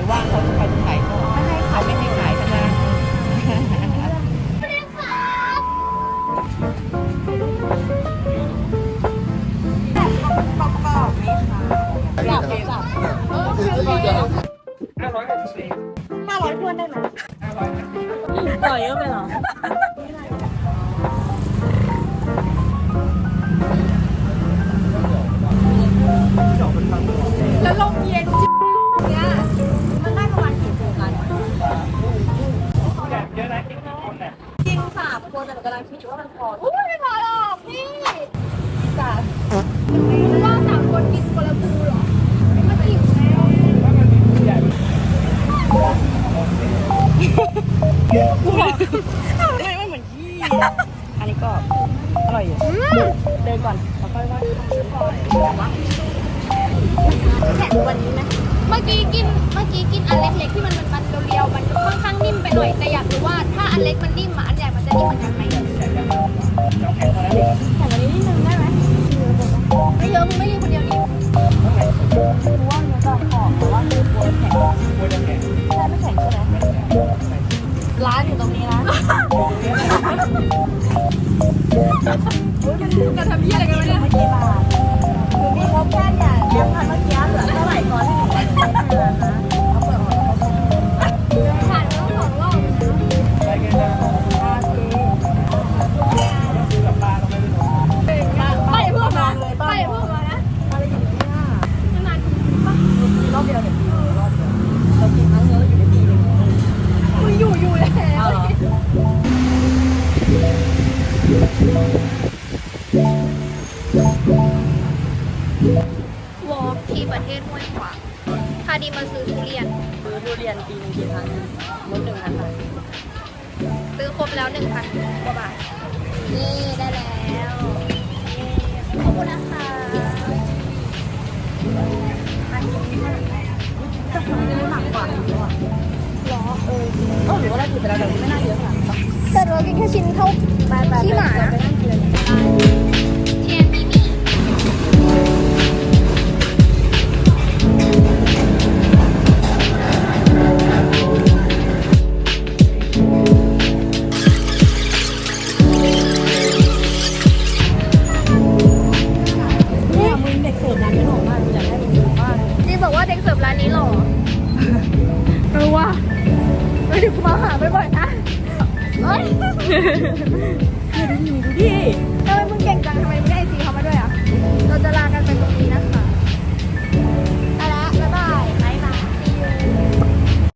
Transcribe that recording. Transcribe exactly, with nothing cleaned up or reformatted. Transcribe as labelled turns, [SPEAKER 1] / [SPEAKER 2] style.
[SPEAKER 1] ว่างเขาจะเขาจะขายก็ไม่ให้เขาไม่ให้ขายกันนะประกอบไหมคะอยากจับเออห้าร้อยห้าร้อยทวนได้ไหมห้าร้อยต่อยเยอะไปหรอแล้วลมเย็นเนี่ยมันได้ประมาณกี่คนกันเยอะนะกินกี่คนเนี่ยกินสามคนแต่กำลังคิดอยู่ว่ามันพออุ้ยไม่พอหรอกพี่จ้ะว่าสามคนกินคนละบูหรอไม่อิ่มแล้วว่ามันมีผู้ใหญ่ไม่ไม่เหมือนที่อันนี้ก็อร่อยอยู่เดินก่อนแล้วค่อยว่าแข็งกว่านี้ไหมเมื่อกี้กินเมื่อกี้กินอันเล็กๆที่มันมันเรียวๆมันค่อนข้างนิ่มไปหน่อยแต่อยากรู้ว่าถ้าอันเล็กมันนิ่มอันใหญ่มันจะนิ่มเหมือนกันไหมแข็งกว่านี้นิดนึงได้ไหมไม่เยอะมึงไม่กินคนเดียวดิรู้ว่ามันจะหอมแต่ว่าคือกลัวแข็งกลัวจะแข็งใช่ไม่แข็งใช่ไหมร้านอยู่ตรงนี้นะจะทำยี่อะไรกันวะเนี่ยไม่กี่บาทหนูมีงบแค่เนี่ยเลี้ยงพันเมื่อกี้เหลือเท่าไหร่ก่อนที่หนูจะใช้แค่นั้นนะเอาเปิดออกแล้วผ่านแล้วสองรอบไปกันนะไปเพื่อมาไปเพื่อมานะอะไรอย่างเงี้ยนานๆป่ะรอบเดียวเนี่ยรอบเดียวเรากินครั้งเดียวเราอยู่ได้ปีนึงมึงอยู่อยู่แล้ววอล์กที่ประเทศห้วยขวางพาดีมาซื้อทุเรียนซื้อทุเรียนปีนึงกี่ครั้งลดหนึ่งพันบาทซื้อครบแล้วหนึ่งพันกว่าบาทนี่ได้แล้วขอบคุณนะคะอันนี้จะทำได้หนักกว่าหรือเปล่าหรอเออเออหรือว่าเราถือไปแล้วแต่ไม่น่าเยอะขนาดนั้นแต่เรากินแค่ชิ้นเท่าขี้หมาไปนั่งกินเทียนมิมี่เด็กเสิร์ฟร้านนี้หรอเออว่ะเดี๋ยวกูมาหาบ่อยๆนะเฮ้ยดูดิดูดิ